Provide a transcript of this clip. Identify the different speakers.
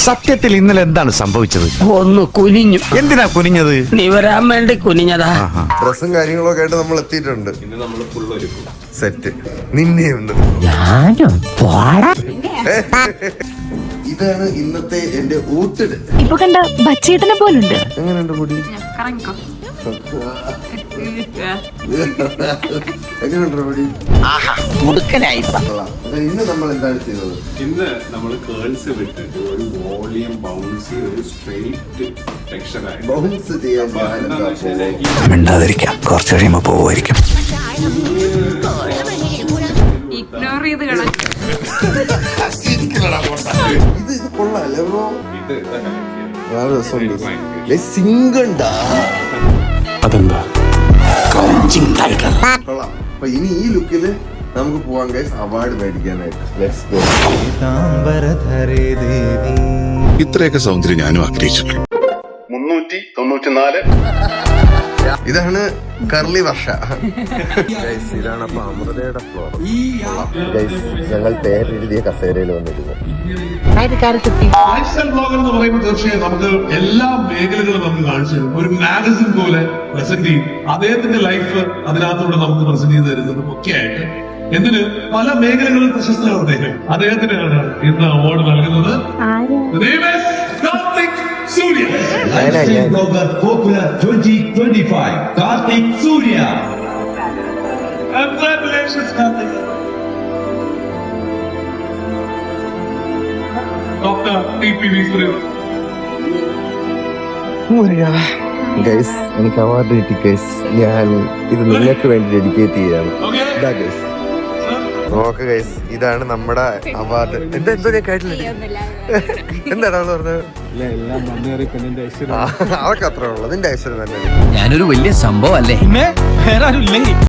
Speaker 1: സത്യത്തിൽ ഇന്നലെ എന്താണ് സംഭവിച്ചത്?
Speaker 2: ഒന്ന് കുനിഞ്ഞു.
Speaker 1: എന്തിനാ കുനിഞ്ഞത്?
Speaker 2: നീ വരാൻ വേണ്ടി കുനിഞ്ഞതാ.
Speaker 3: ഡ്രസ്സും കാര്യങ്ങളൊക്കെ ആയിട്ട് നമ്മൾ എത്തിയിട്ടുണ്ട്. സെറ്റ് നിന്നെയുണ്ട്. ഇതാണ് ഇന്നത്തെ എന്റെ ഊട്ടിട്.
Speaker 4: ഇപ്പൊ കണ്ട ബച്ചേട്ടനെ പോലുണ്ട്.
Speaker 3: എങ്ങനെയുണ്ട് മുടി? എങ്ങനെയുണ്ട് മുടി? ഇന്ന് നമ്മൾ എന്താണ് ചെയ്തത്?
Speaker 5: ഇന്ന് നമ്മൾ കേൾസ് വിട്ടിട്ട് ഒരു വോളിയം ബൗൺസി ഒരു സ്ട്രെയിറ്റ് ടെക്സ്ചറായി
Speaker 3: ബൗൺസ് ചെയ്യാൻ
Speaker 1: മിണ്ടാതിരിക്കാം, കുറച്ച് കഴിയുമ്പോ പോവുമായിരിക്കും.
Speaker 4: ഇഗ്നോർ ചെയ്ത് കളഞ്ഞു.
Speaker 3: ഇത് കൊള്ളാല്ലേ ബ്രോ?
Speaker 5: ഇത്
Speaker 3: വളരെ രസമുണ്ട്. സിംഗണ്ടാ
Speaker 1: അതെന്താ?
Speaker 3: കൊള്ളാം. അപ്പൊ ഇനി ഈ ലുക്കില് നമുക്ക് പോവാൻ ഗൈസ് അവാർഡ് മേടിക്കാനായിട്ട്. Let's go.
Speaker 6: ഇത്രയൊക്കെ സൗന്ദര്യം ഞാനും ആഗ്രഹിച്ചിട്ടുണ്ട്.
Speaker 3: 394. ഇതാണ് കർലി വർഷ. ഇതാണ് അപ്പൊ അമൃതയുടെ ഫ്ലോർ. ഞങ്ങൾ പേരെഴുതിയ കസേരയിൽ വന്നിരുന്നു.
Speaker 7: ലൈഫ് സ്റ്റൈൽ ബ്ലോഗർ എന്ന് പറയുമ്പോൾ തീർച്ചയായും നമുക്ക് എല്ലാ മേഖലകളും നമുക്ക് കാണിച്ചു തരും. ഒരു മാഗസിൻ പോലെ പ്രസന്റ് ചെയ്യും. അദ്ദേഹത്തിന്റെ ലൈഫ് അതിനകത്തൂടെ നമുക്ക് പ്രസന്റ് ചെയ്ത് തരുന്നതും ഒക്കെ ആയിട്ട് എന്തിന് പല മേഖലകളിൽ പ്രശസ്തനാണ് അദ്ദേഹത്തിനാണ് ഇന്ന് അവാർഡ് നൽകുന്നത്. Surya.
Speaker 8: Popular 2025, Karthik Surya.
Speaker 7: Congratulations, Karthik. Dr. T.P.V. Surya.
Speaker 3: Guys എനിക്ക് അവാർഡ് കിട്ടി ഗൈസ്. ഞാൻ ഇത് നിങ്ങൾക്ക് വേണ്ടി ഡെഡിക്കേറ്റ് ചെയ്യാണ്. നോക്ക് ഗൈസ്, ഇതാണ് നമ്മുടെ അവാർഡ്. എന്തോ ഞാൻ കേട്ടില്ല. എന്താണ് അവള് പറഞ്ഞത്? അവർക്ക് അത്ര ഉള്ളത്. നിന്റെ ഐശ്വര്യം തന്നെ.
Speaker 2: ഞാനൊരു വലിയ സംഭവം അല്ലേ?